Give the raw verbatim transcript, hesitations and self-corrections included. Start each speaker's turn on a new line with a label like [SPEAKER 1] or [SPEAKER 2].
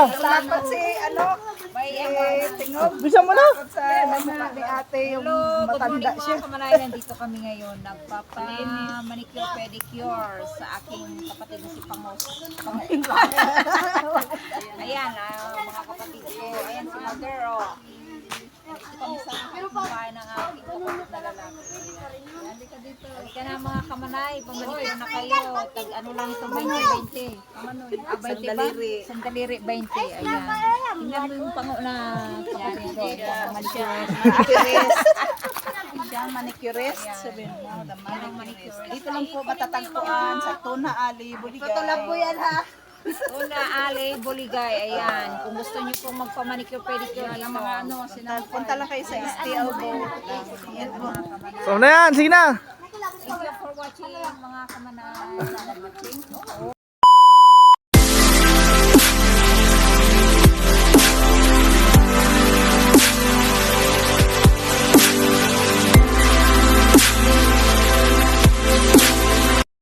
[SPEAKER 1] Dapat si ano, eh, tingog.
[SPEAKER 2] Bisa mo na.
[SPEAKER 1] Takot sa mukha ni ate yung
[SPEAKER 3] Hello, good morning
[SPEAKER 1] matanda siya.
[SPEAKER 3] mga kamanay. Nandito kami ngayon. Nagpapa-manicure pedicure sa aking kapatid na si Pangos. Ayan, ah, mga kapatid ko. Ayan si Mother, oh. Nandito kami sa bahay ng aking kapatid na lalaki. Halika dito. Halika na mga kamanay. Pamanicure na kayo. Tag ano lang ito, twenty twenty. Ah, twenty ba? Sandaliri twenty. Ayan. Tingnan mo yung pango na kapatid ko. Manicure.
[SPEAKER 1] Manicurist. Siya manicurist. Sabihin mo, the manicurist. Dito lang po matatagpuan sa Tuna Ali, Buligay. Totoo lang po yan ha.
[SPEAKER 3] Una, Ale, Boligay, ayan. Kung gusto niyo pong magpa-manicure pedicure ng mga ano,
[SPEAKER 1] Punta lang kayo sa East Elbow. Yan po.
[SPEAKER 2] So na yan, sige na.
[SPEAKER 3] Thank you for watching mga kamanay. Sana watching. Oo.